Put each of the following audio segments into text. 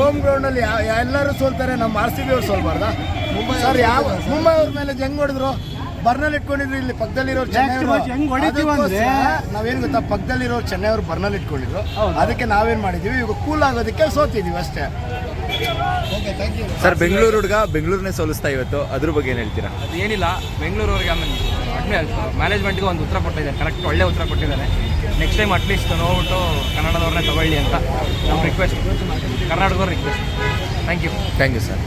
Home ಗ್ರೌಂಡಲ್ಲಿ ಎಲ್ಲರೂ ಸೋಲ್ತಾರೆ, ನಮ್ಮ RCB ಅವ್ರು ಸೋಲ್ಬಾರ್ದಾ? ಸರ್ ಮುಂಬೈ ಅವ್ರ ಮೇಲೆ ಹೆಂಗ್ ಹೊಡೆದ್ರು, ಬರ್ನಲ್ಲಿ ಇಟ್ಕೊಂಡಿದ್ರು. ಇಲ್ಲಿ ಪಕ್ಕದಲ್ಲಿರೋರು ಚೆನ್ನೈ ನಾವೇನು ಗೊತ್ತಾ, ಪಕ್ಕದಲ್ಲಿರೋರು ಚೆನ್ನೈ ಅವರು ಬರ್ನಲ್ಲಿ ಇಟ್ಕೊಂಡಿದ್ರು. ಅದಕ್ಕೆ ನಾವೇನ್ ಮಾಡಿದೀವಿ, ಇವಾಗ ಕೂಲ್ ಆಗೋದಕ್ಕೆ ಸೋತಿದೀವಿ ಅಷ್ಟೇ. ಸರ್, ಬೆಂಗಳೂರು ಹುಡುಗ ಬೆಂಗಳೂರನ್ನೇ ಸೋಲಿಸ್ತಾ ಇವತ್ತು, ಅದ್ರ ಬಗ್ಗೆ ಏನು ಹೇಳ್ತೀರಾ? ಅದೇನಿಲ್ಲ, ಬೆಂಗಳೂರವ್ರಿಗೆ ಆಮೇಲೆ ಮ್ಯಾನೇಜ್ಮೆಂಟ್ಗೆ ಒಂದು ಉತ್ತರ ಕೊಟ್ಟಿದ್ದಾರೆ, ಕರೆಕ್ಟ್ ಒಳ್ಳೆ ಉತ್ತರ ಕೊಟ್ಟಿದ್ದಾರೆ. ನೆಕ್ಸ್ಟ್ ಟೈಮ್ ಅಟ್ಲೀಸ್ಟ್ ನೋಡ್ಬಿಟ್ಟು ಕನ್ನಡದವ್ರನ್ನೇ ತಗೊಳ್ಳಿ ಅಂತ ನಮ್ಮ ರಿಕ್ವೆಸ್ಟ್, ಕರ್ನಾಟಕದವ್ರ request. Thank you sir.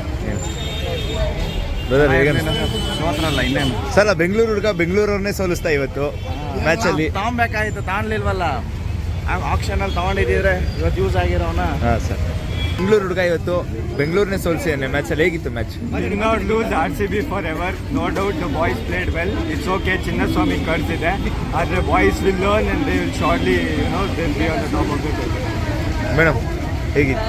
Brother, ಹೇಗೆ ಸೋತ್ರಲ್ಲ ಇನ್ನೇನು ಸರ್? ಬೆಂಗಳೂರು ಹುಡುಗ ಬೆಂಗಳೂರವ್ರನ್ನೇ ಸೋಲಿಸ್ತಾ ಇವತ್ತು ಮ್ಯಾಚಲ್ಲಿ. ತಗೊಬೇಕಾಗಿತ್ತು, ತಗೊಳ್ಲಿಲ್ವಲ್ಲ. ಆಕ್ಷನಲ್ಲಿ ತಗೊಂಡಿದ್ದೀದ್ರೆ ಇವತ್ತು ಯೂಸ್ ಆಗಿರೋನ. ಹಾಂ ಸರ್, ಬೆಂಗಳೂರು ಹುಡುಗ ಇವತ್ತು ಬೆಂಗಳೂರನ್ನೇ ಸೋಲಿಸಿ ಮ್ಯಾಚಲ್ಲಿ. ಹೇಗಿತ್ತು match? Did not lose RCB forever. No doubt the boys played well. It's okay. Chinnaswamy curse ಇದೆ. The boys will learn and they will surely, they'll be on the top of the table. Madam, ಹೇಗಿತ್ತು?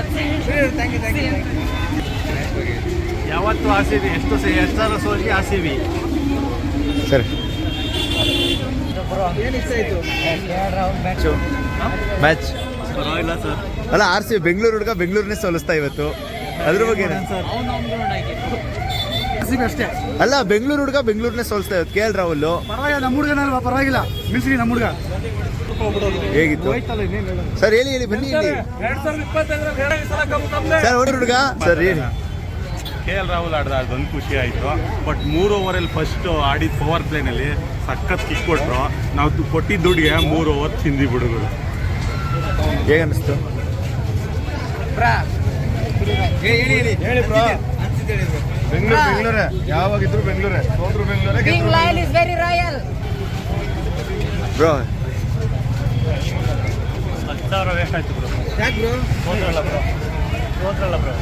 ಯಾವತ್ತು RCB ಎಷ್ಟು ಸಲ ಸೋಲಿ RCB. Sir, match ಪರವಾಗಿಲ್ಲ sir. ಅಲ್ಲ, RCB Bengaluru ಹುಡುಗ ಬೆಂಗಳೂರನ್ನೇ ಸೋಲಿಸ್ತಾ ಇವತ್ತು, ಅದ್ರ ಬಗ್ಗೆ ಅಷ್ಟೇ. ಅಲ್ಲ, ಬೆಂಗಳೂರು ಹುಡುಗ ಬೆಂಗಳೂರನ್ನೇ ಸೋಲಿಸ್ತಾ ಇವತ್ತು. KL ರಾಹುಲ್ ಪರವಾಗಿಲ್ಲ, ನಮ್ಮ ಹುಡುಗನಲ್ವಾ, ಪರವಾಗಿಲ್ಲ. ಮಿಲ್ಸ್ರಿ ನಮ್ಮ ಹುಡುಗ. ಹೇಗಿತ್ತು ಸರ್? ಹೇಳಿ ಬನ್ನಿ ಇಲ್ಲಿ. ಸರ್, ಹುಡುಗ ಸರ್ ಹೇಳಿ. KL ರಾಹುಲ್ ಆಡ್ದ, ಅದೊಂದು ಖುಷಿ ಆಯಿತು. ಬಟ್ 3 ಓವರಲ್ಲಿ ಫಸ್ಟ್ ಆಡಿದ ಪವರ್ ಪ್ಲೇನಲ್ಲಿ ಸಖತ್ ಕಿಕ್ ಕೊಟ್ಟರು. ನಾವು ಕೊಟ್ಟಿದ್ದ ದುಡ್ಡಿಗೆ 3 ಓವರ್ ತಿಂದಿ ಹುಡುಗರು. ಹೇಗನ್ನಿಸ್ತು? ಬೆಂಗಳೂರೇ ಯಾವಾಗಿದ್ರು ಬೆಂಗಳೂರೇ, ಸೋತ್ರು ಬೆಂಗಳೂರೇ. ಬ್ರೋ, 10,000 ವೇಸ್ಟ್ ಆಯ್ತು ಬ್ರೋ. ಸೋತ್ರಲ್ಲ ಬ್ರೋ.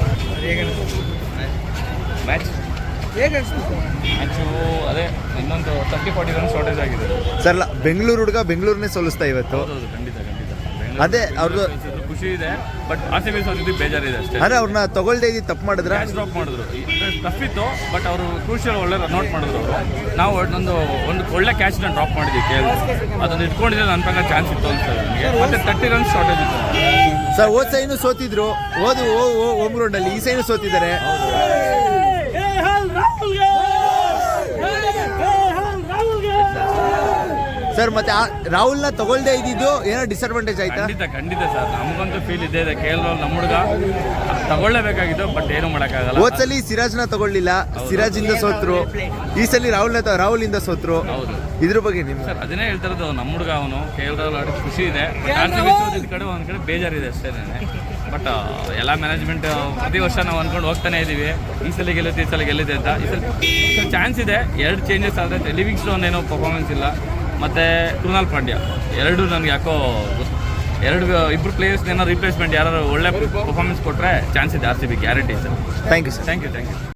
ಮ್ಯಾಚು ಅದೇ ಇನ್ನೊಂದು 30-40 ರನ್ ಶಾರ್ಟೇಜ್ ಆಗಿದೆ ಸರ್. ಅಲ್ಲ, ಬೆಂಗಳೂರು ಹುಡುಗ ಬೆಂಗಳೂರನ್ನೇ ಸೋಲಿಸ್ತಾ ಇವತ್ತು. ಖಂಡಿತ ಅದೇ ಅವ್ರದ್ದು ಖುಷಿ ಇದೆ. ಬಟ್ RCB ಸೋತಿದ್ದು ಬೇಜಾರಿದೆ ಅಷ್ಟೇ. ಅದೇ ಅವ್ರನ್ನ ತಗೊಳ್ದೇ ಇದ್ದು ತಪ್ಪು ಮಾಡಿದ್ರೆ ಕ್ಯಾಚ್ ಡ್ರಾಪ್ ಮಾಡಿದ್ರು. ಟಫ್ ಇತ್ತು, ಬಟ್ ಅವರು ಕ್ರೂಷಿಯಲ್ ಒಳ್ಳೆ ರನ್ ಔಟ್ ಮಾಡಿದ್ರು ಅವರು. ನಾವು ಒಂದು ಒಳ್ಳೆ ಕ್ಯಾಚ್ನ ಡ್ರಾಪ್ ಮಾಡಿದ್ವಿ KL. ಅದನ್ನು ಇಟ್ಕೊಂಡಿದ್ರೆ ನನ್ನ ಪ್ರಕಾರ ಚಾನ್ಸ್ ಇತ್ತು ಅನ್ಸುತ್ತೆ ನನಗೆ. ಮತ್ತೆ 30 ರನ್ಸ್ ಶಾರ್ಟೇಜ್ ಇತ್ತು ಸರ್. ಹೋದ ಸೈನು ಸೋತಿದ್ರು, ಹೋಮ್ ಗ್ರೌಂಡ್ ಅಲ್ಲಿ. ಈ ಸೈನು ಸೋತಿದ್ದಾರೆ. ಸರ್, ಮತ್ತೆ ರಾಹುಲ್ನ ತಗೊಳ್ದೇ ಇದ್ದಿದ್ದು ಏನೋ ಡಿಸ್ಅಡ್ವಾಂಟೇಜ್ ಆಯ್ತಾ? ಖಂಡಿತ ಸರ್, ನಮಗಂತೂ ಫೀಲ್ ಇದೆ. KL ನಮ್ಮ ಹುಡುಗ ತಗೊಳ್ಳೇಬೇಕಾಗಿತ್ತು, ಬಟ್ ಏನು ಮಾಡೋಕ್ಕಾಗಲ್ಲ. ಹೋದ ಸಲ ಸಿರಾಜ್ನ ತಗೊಳ್ಳಿಲ್ಲ, ಸಿರಾಜಿಂದ ಸೋತ್ರು. ಈ ಸಲ ರಾಹುಲ್ ಇಂದ ಸೋತ್ರು. ಹೌದು, ಇದ್ರ ಬಗ್ಗೆ ನಿಮ್ಗೆ? ಸರ್, ಅದನ್ನೇ ಹೇಳ್ತಾ ಇರೋದು, ನಮ್ಮ ಹುಡುಗ ಅವನು KL ರಾಹುಲ್ ಆಡಿದ ಖುಷಿ ಇದೆ. ಕಡೆ ಒಂದ್ ಕಡೆ ಬೇಜಾರಿದೆ ಅಷ್ಟೇ. ಬಟ್ ಎಲ್ಲ ಮ್ಯಾನೇಜ್ಮೆಂಟ್ ಪ್ರತಿ ವರ್ಷ ನಾವು ಅಂದ್ಕೊಂಡು ಹೋಗ್ತಾನೆ ಇದ್ದೀವಿ, ಈ ಸಲ ಗೆಲ್ಲುತ್ತೆ, ಈ ಸಲ ಗೆಲ್ಲಿದೆ ಅಂತ. ಈ ಸಲ ಚಾನ್ಸ್ ಇದೆ. 2 ಚೇಂಜಸ್ ಆದರೆ ಲಿವಿಂಗ್ ಸ್ಟೋನ್ ಏನೋ ಪರ್ಫಾರ್ಮೆನ್ಸ್ ಇಲ್ಲ, ಮತ್ತು ಕೃಣಾಲ್ ಪಾಂಡ್ಯ ಎರಡು ನನಗೆ ಯಾಕೋ ಇಬ್ಬರು ಪ್ಲೇಯರ್ಸ್ ಏನೋ ರಿಪ್ಲೇಸ್ಮೆಂಟ್ ಯಾರು ಒಳ್ಳೆ ಪರ್ಫಾರ್ಮೆನ್ಸ್ ಕೊಟ್ಟರೆ ಚಾನ್ಸ್ ಇದೆ RCB guarantee sir. Thank you sir. Thank you.